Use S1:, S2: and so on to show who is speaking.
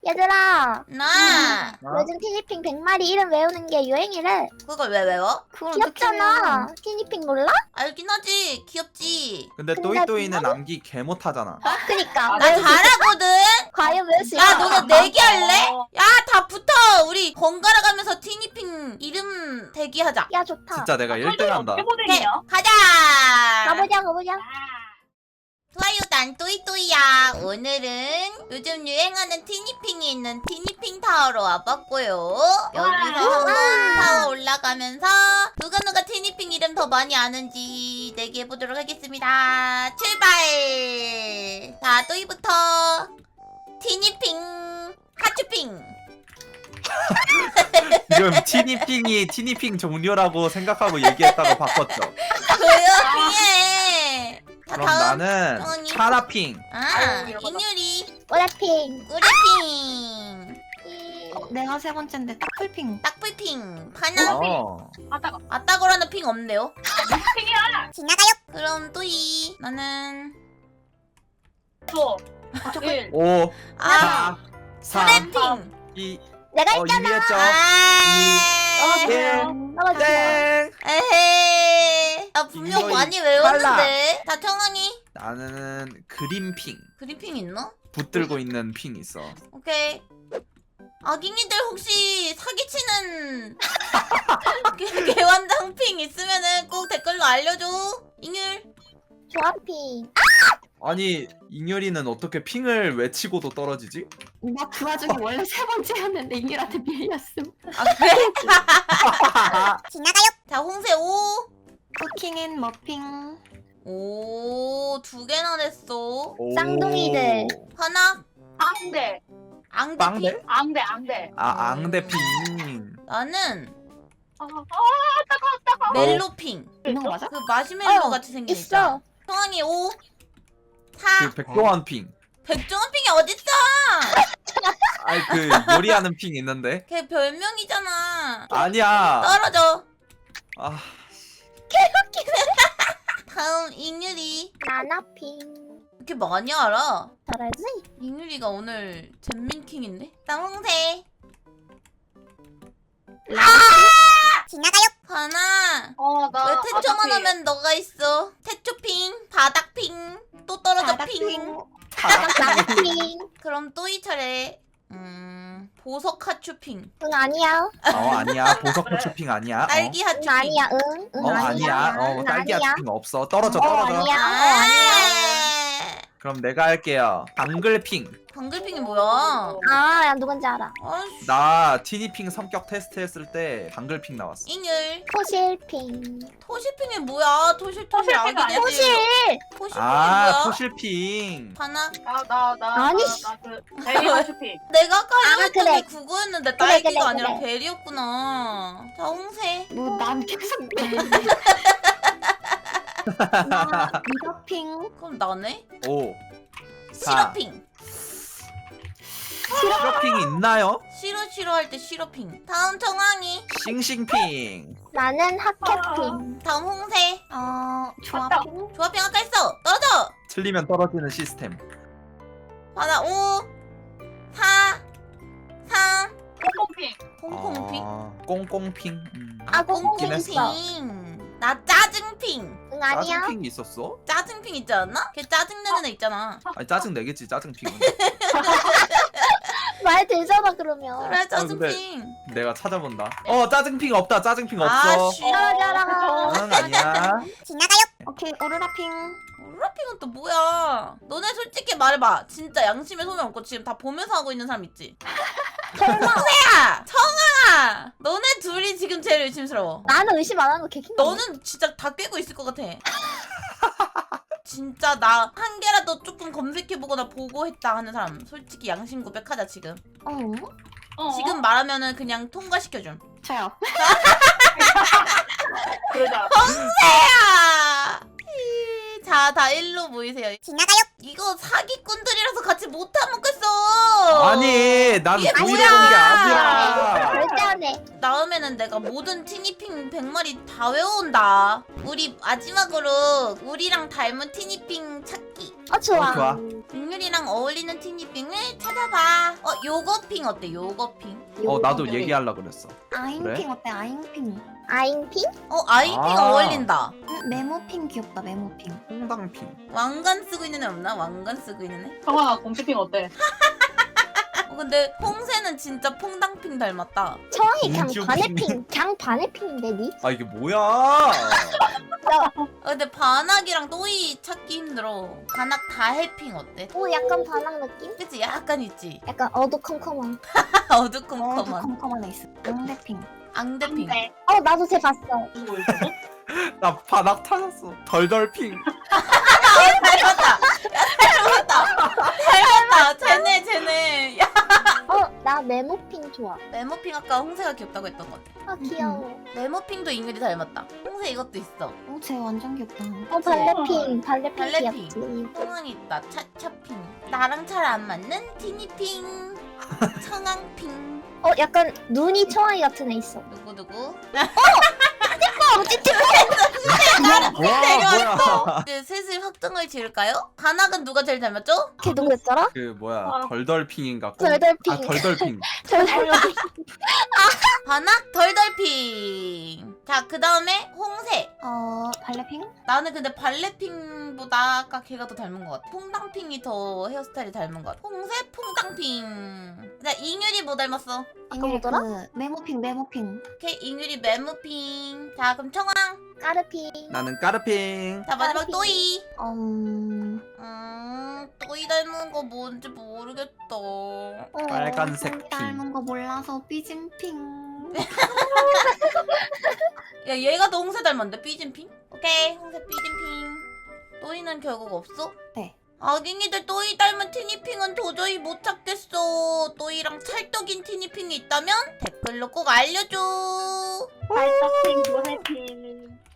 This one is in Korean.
S1: 얘들아,
S2: 나
S1: 요즘 티니핑 100마리 이름 외우는 게 유행이래.
S2: 그걸 왜 외워?
S3: 그걸 어떻게
S1: 귀엽잖아.
S3: 해요?
S1: 티니핑 몰라?
S2: 알긴 하지. 귀엽지.
S4: 근데
S1: 근데
S4: 또이또이는 암기 개 못하잖아.
S1: 그니까.
S2: 나 잘하거든.
S1: 과연 외울 수
S2: 야
S1: 있어.
S2: 너네 내기 할래? 야 다 붙어. 우리 번갈아 가면서 티니핑 이름 대기하자.
S1: 야, 좋다.
S4: 진짜 내가 1등 한다.
S2: 오케이 가자.
S1: 가보자.
S2: 좋아요 난 또이또이야. 오늘은 요즘 유행하는 티니핑이 있는 티니핑 타워로 와봤고요. 여기서 한번 타워 올라가면서 누가 티니핑 이름 더 많이 아는지 내기해보도록 하겠습니다. 출발. 자 또이부터 티니핑 하츄핑.
S4: 지금 티니핑 종류라고 생각하고 얘기했다가 바꿨죠.
S2: 조용히 해. 자,
S4: 그럼
S2: 다음.
S4: 나는
S2: 정원이.
S4: 차라핑.
S2: 아 인유리
S1: 오라핑.
S2: 우리핑
S3: 내가 세 번째인데 딱풀핑.
S2: 딱불핑 파나
S4: 어.
S2: 아따거라는 핑 없네요.
S5: 핑이야!
S2: 지나가요. 그럼 또이 나는
S5: 또 1
S4: 5,
S2: 아
S4: 4, 3,
S2: 수레핑.
S4: 2,
S1: 내가 있잖아.
S4: 이겼죠.
S2: 아
S4: 1,
S1: 떨어져.
S4: 땡.
S2: 에헤. 나 분명
S4: 이거
S2: 많이 외웠는데. 다 청하니
S4: 나는 그린핑.
S2: 그린핑 있나?
S4: 붙들고 있는 핑 있어.
S2: 오케이. 아깅이들 혹시 사기치는 개완장핑 있으면은 꼭 댓글로 알려줘. 잉율.
S1: 조합핑.
S4: 아니 잉여리는 어떻게 핑을 외치고도 떨어지지?
S3: 나 그 와중에 원래 세 번째였는데 잉일한테 밀렸음.
S2: 아 그래? 지나가요. 자 홍세 5.
S3: 쿠킹 머핑.
S2: 오, 2개나 냈어.
S4: 오.
S1: 쌍둥이들.
S2: 하나,
S5: 앙대
S2: 앙대핑.
S4: 빵대?
S5: 앙대
S4: 아 앙대핑.
S2: 나는
S5: 따가워
S2: 멜로핑.
S3: 있는 거 맞아?
S2: 그 마시멜로
S1: 어,
S2: 같이 생긴 거 있잖아.
S1: 있어.
S2: 성황이 5, 4.
S4: 그 백종원핑.
S2: 백종원핑이 어딨어?
S4: 아니 그 요리하는 핑 있는데.
S2: 걔 별명이잖아.
S4: 아니야.
S2: 떨어져.
S4: 아
S2: 다음 잉유리.
S1: 나나핑.
S2: 이렇게 많이 알아?
S1: 잘 알지?
S2: 잉유리가 오늘 잼민킹인데? 다음 홍세. 지나가요. 하나.
S5: 나
S2: 왜 태초만 하면 너가 있어? 태초핑, 바닥핑, 또 떨어져 핑.
S1: 나나핑.
S2: 그럼 또이 차례. 보석 하츄핑.
S1: 응, 아니야.
S4: 아니야. 보석 하츄핑 아니야.
S2: 딸기
S1: 응,
S2: 하츄핑.
S1: 아니야. 응,
S4: 아니야.
S1: 응,
S4: 딸기
S1: 아니야.
S4: 하츄핑 없어. 떨어져.
S1: 아니야.
S2: 아,
S4: 그럼 내가 할게요. 방글핑.
S2: 방글핑이 뭐야?
S1: 아, 야, 누군지 알아.
S2: 아이씨.
S4: 나 티니핑 성격 테스트 했을 때 방글핑 나왔어.
S2: 잉율.
S1: 토실핑.
S2: 토실핑이 뭐야? 토실
S5: 토실핑
S2: 아기
S5: 아니야?
S1: 토실.
S2: 토실핑이
S4: 아
S2: 뭐야?
S4: 토실핑.
S2: 하나.
S1: 아니.
S5: 나그 베리 쇼핑
S2: 내가 아까 하려고 했던
S1: 그래.
S2: 게 그거였는데
S1: 그래,
S2: 딸기가
S1: 그래,
S2: 아니라
S1: 그래.
S2: 베리였구나. 자 홍세.
S3: 뭐 난 계속 내. 나 미더핑.
S2: 그럼 나네?
S4: 5, 4.
S2: 시러핑.
S4: 시러핑이 있나요?
S2: 싫어 할 때 시러핑. 다음 정황이.
S4: 싱싱핑.
S1: 나는 핫캣핑.
S2: 다음 홍세.
S3: 조합핑.
S2: 조합핑 아까 했어. 떨어져.
S4: 틀리면 떨어지는 시스템.
S2: 하나 5 4 3
S5: 콩콩핑
S2: 콩콩핑.
S4: 꽁꽁핑.
S1: 아, 꽁꽁 있어.
S2: 콩콩핑. 나 짜증핑.
S1: 응, 아니야.
S4: 짜증핑이 있었어?
S2: 짜증핑 있지 않나? 걔 짜증내는 애 있잖아.
S4: 아니 짜증 내겠지 짜증핑은.
S1: 말 되잖아, 그러면.
S2: 그래 짜증핑.
S4: 내가 찾아본다. 짜증핑 없다. 짜증핑 없어.
S2: 아 싫어.
S1: 떨어져라.
S4: 응 아니야.
S2: 지나가요.
S3: 오케이 오로라핑.
S2: 오라핑은 또 뭐야? 너네 솔직히 말해봐. 진짜 양심에 손을 얹고 지금 다 보면서 하고 있는 사람 있지?
S1: 설마.
S2: 야 청아. 너네 둘이 지금 제일 의심스러워.
S1: 나는 의심 안 하는 거 개킹.
S2: 너는 진짜 다 꿰고 있을 것 같아. 진짜 나 한 개라도 조금 검색해보거나 보고 했다 하는 사람 솔직히 양심 고백하자 지금. 지금 말하면은 그냥 통과시켜줌.
S3: 저요.
S5: 그러자
S2: 야! 자, 다 일로 모이세요. 지나가요. 이거 사기꾼들이라서 같이 못 하먹겠어.
S4: 아니 난
S2: 이게
S4: 고의로
S2: 뭐야?
S4: 본 게 아니라.
S1: 절대 안 해.
S2: 다음에는 내가 모든 티니핑 100마리 다 외워온다. 우리 마지막으로 우리랑 닮은 티니핑 찾기.
S1: 좋아.
S4: 좋아.
S2: 잉유리랑 어울리는 티니핑을 찾아봐. 요거핑 어때? 요거핑.
S4: 나도 얘기하려고 그랬어.
S3: 아잉핑 어때? 아잉핑.
S1: 아잉핑?
S2: 아이핑
S4: 아.
S2: 어울린다.
S3: 메모핑 귀엽다. 메모핑.
S4: 홍당핑.
S2: 왕관 쓰고 있는 애 없나? 왕관 쓰고 있는 애?
S5: 청아 공주핑 어때?
S2: 근데 홍새는 진짜 퐁당핑 닮았다.
S1: 청이 그냥
S4: 공주핑.
S1: 반의 핑. 그냥 반의 핑인데 니?
S4: 아 이게 뭐야?
S2: 근데 반학이랑 또이 찾기 힘들어. 반학 다해핑 어때?
S1: 오 약간 반항 느낌?
S2: 그치? 약간 있지?
S1: 약간 어두컴컴한.
S2: 어두컴컴한
S3: 컴컴한 애 있어. 앙대핑.
S2: 앙대핑.
S5: 네.
S1: 나도 쟤 봤어.
S5: 뭐 있어?
S4: 나 바닥 타졌어. 덜덜핑.
S2: 닮았다. 야, 닮았다. 쟤네. 야,
S1: 나 메모핑 좋아.
S2: 메모핑 아까 홍새가 귀엽다고 했던 것 같아.
S1: 귀여워.
S2: 메모핑도 잉글이 닮았다. 홍새 이것도 있어.
S3: 쟤 완전 귀엽다.
S1: 발레핑. 발레핑
S2: 발레핑.
S1: 귀엽지.
S2: 청항이 있다. 차차핑. 나랑 잘 안 맞는 티니핑. 청항핑.
S1: 약간 눈이 청아이 같은 애 있어.
S2: 누구?
S4: 뭐야?
S2: 이제 슬슬 확정을 지을까요? 반학은 누가 제일 닮았죠?
S1: 걔 누구였더라?
S4: 그 뭐야? 덜덜핑인가?
S1: 덜덜핑.
S4: 아 덜덜핑.
S2: 반학 덜덜핑. 자, 그 다음에 홍새.
S3: 발레핑?
S2: 나는 근데 발레핑보다 아까 걔가 더 닮은 것 같아. 퐁당핑이 더 헤어스타일이 닮은 것 같아. 홍새 퐁당핑. 자, 잉유리 뭐 닮았어?
S1: 아까 뭐더라?
S3: 메모핑.
S2: 오케이, 잉유리 메모핑. 자, 그럼 청아.
S1: 까르핑.
S4: 나는 까르핑.
S2: 자, 마지막
S1: 까르핑.
S2: 또이.
S3: 음.
S2: 또이 닮은 거 뭔지 모르겠다.
S4: 빨간색
S3: 닮은
S4: 핑.
S3: 거 몰라서 삐진핑.
S2: 야, 얘가 더 홍새 닮았는데? 삐진핑? 오케이, 홍새 삐진핑. 또이는 결국 없어?
S3: 네.
S2: 아깅이들 또이 닮은 티니핑은 도저히 못 찾겠어. 또이랑 찰떡인 티니핑이 있다면 댓글로 꼭 알려줘.
S5: 발떡핑, 노래핑.